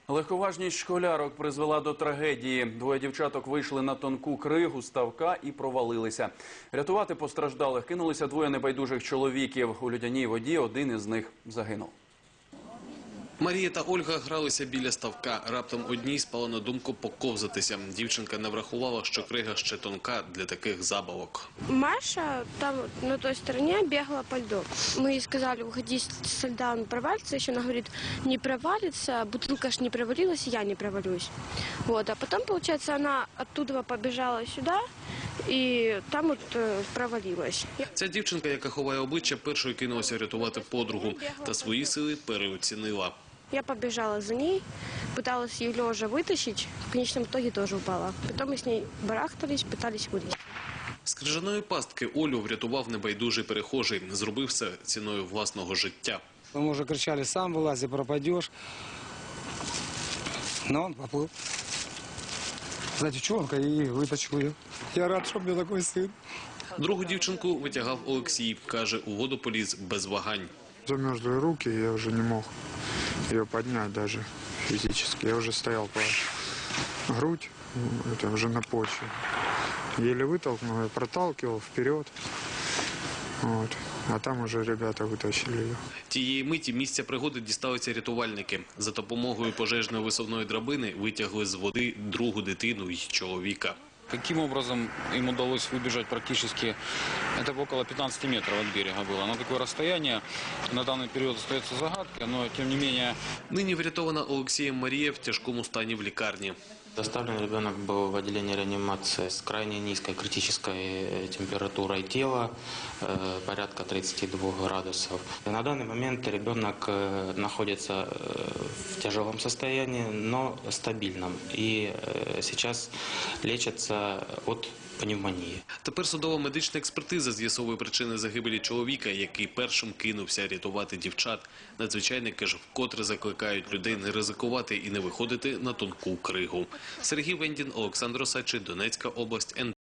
Легковажність школярок призвела до трагедії. Двоє дівчаток вийшли на тонку кригу ставка і провалилися. Рятувати постраждалих кинулися двоє небайдужих чоловіків. У людяній воді один із них загинув. Марія та Ольга гралися біля ставка. Раптом одній спало на думку поковзатися. Дівчинка не врахувала, що крига ще тонка для таких забавок. Маша там на той стороне бегала по льду. Мы ей сказали, уходи со льда, он провалится. Еще она говорит, не провалится, бутылка ж не провалилась, я не провалюсь. Вот. А потом, получается, она оттуда побежала сюда і там от провалилась. Ця дівчинка, яка ховає обличчя, першою кинулася рятувати подругу та свої сили переоцінила. Я побежала за ней, пыталась ее лежа вытащить, в конечном итоге тоже упала. Потом мы с ней барахтались, пытались вылезти. З крижаної пастки Олю врятував небайдужий перехожий. Зробив це ціною власного життя. Мы уже кричали, сам вылази, пропадешь. Но он поплыл. За девчонка и вытащил ее. Я рад, что у меня такой сын. Другу дівчинку витягав Олексій. Каже, у воду поліз без вагань. Замерзли руки, я уже не мог ее поднять даже физически. Я уже стоял по грудь, это уже на почве. Еле вытолкнул, я проталкивал вперед. Вот. А там уже ребята вытащили ее. Тієї миті місця пригоди дісталися рятувальники. За допомогою пожежної висувної драбини витягли з води другу дитину й чоловіка. Каким образом им удалось выбежать практически, это около 15 метров от берега было. На такое расстояние на данный период остается загадкой, но тем не менее... Нині врятована Олексієм Марія в тяжкому стані в лікарні. Доставлен ребенок был в отделение реанимации с крайне низкой критической температурой тела, порядка 32 градусов. И на данный момент ребенок находится в тяжелом состоянии, но стабильном. И сейчас лечится от пневмонії. Тепер судово-медична експертиза з'ясовує причини загибелі чоловіка, який першим кинувся рятувати дівчат. Надзвичайники ж вкотре закликають людей не ризикувати і не виходити на тонку кригу. Сергій Вендін, Олександр Осадчий, Донецька область,